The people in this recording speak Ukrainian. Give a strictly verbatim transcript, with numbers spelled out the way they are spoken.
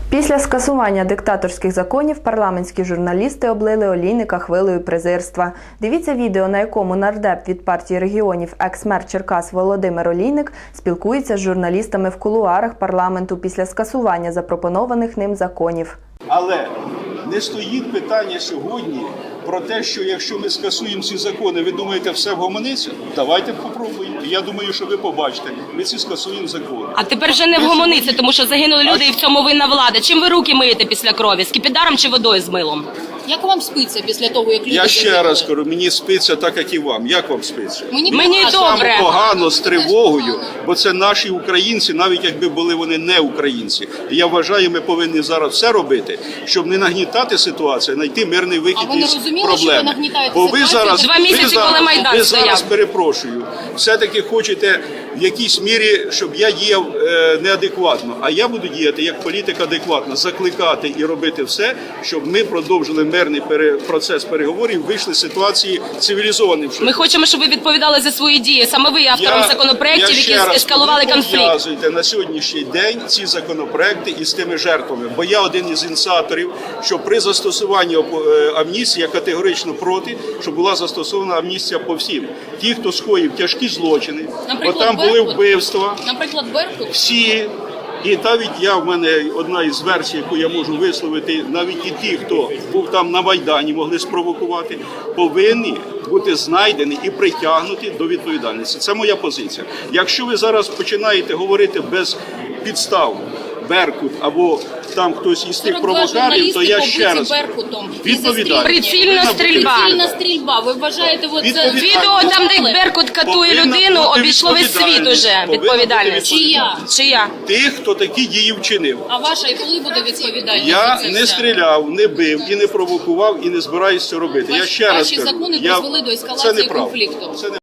Після скасування диктаторських законів парламентські журналісти облили Олійника хвилею презирства. Дивіться відео, на якому нардеп від партії регіонів екс-мер Черкас Володимир Олійник спілкується з журналістами в кулуарах парламенту після скасування запропонованих ним законів. Але не стоїть питання сьогодні про те, що якщо ми скасуємо ці закони, ви думаєте, все вгомониться? Давайте попробуємо. Я думаю, що ви побачите, ми ці скасуємо закони. А тепер вже не вгомониться, тому що загинули люди і в цьому винна влада. Чим ви руки миєте після крові? Скипідаром чи водою з милом? Як вам спиться після того, як люди... Я ще раз кажу, мені спиться так, як і вам. Як вам спиться? Мені, Мені добре. Погано, з тривогою, бо це наші українці, навіть якби були вони не українці. І я вважаю, ми повинні зараз все робити, щоб не нагнітати ситуацію, знайти мирний вихід А ви не із розуміли, проблеми. що ви нагнітаєте Бо ви ситуацію? зараз, Два місяці, ви зараз, коли Майдан ви стояв. зараз, перепрошую, все-таки хочете в якійсь мірі, щоб я діяв е, неадекватно, а я буду діяти як політик адекватно, закликати і робити все, щоб ми продовжили мирний пере, процес переговорів, вийшли з ситуації цивілізованим шляхом. Ми хочемо, щоб ви відповідали за свої дії. Саме ви автором Я- законопроєктів, я ще які раз, ескалували ви конфлікт. пов'язуєте на сьогоднішній день ці законопроекти із тими жертвами. Бо я один із ініціаторів, що при застосуванні е, амністії я категорично проти, щоб була застосована амністія по всім. Ті, хто скоїв тяжкі злочини, бо Наприклад, там були Беркут? вбивства, Наприклад, Беркут? всі. І навіть я, в мене одна із версій, яку я можу висловити, навіть і ті, хто був там на Майдані, могли спровокувати, повинні бути знайдені і притягнуті до відповідальності. Це моя позиція. Якщо ви зараз починаєте говорити без підстав, Беркут або там хтось із тих сорок два провокаторів, то я журналісти ще раз побиті Беркутом. відповідаю. Прицільна стрільба. Прицільна стрільба. Ви вважаєте, от це... Відповідальність. Відео там, де Беркут катує Повинна людину, бути обійшло весь світ відповідальність. уже. Повинна бути Відповідальність. Чия? Чия? Тих, хто такі дії вчинив. А ваша і коли буде відповідальність? Я за це не все? стріляв, не бив і не провокував, і не збираюся це робити. Я Ваші- ще раз ваші кажу, закони я... призвели до це ескалації неправда. конфлікту. Це не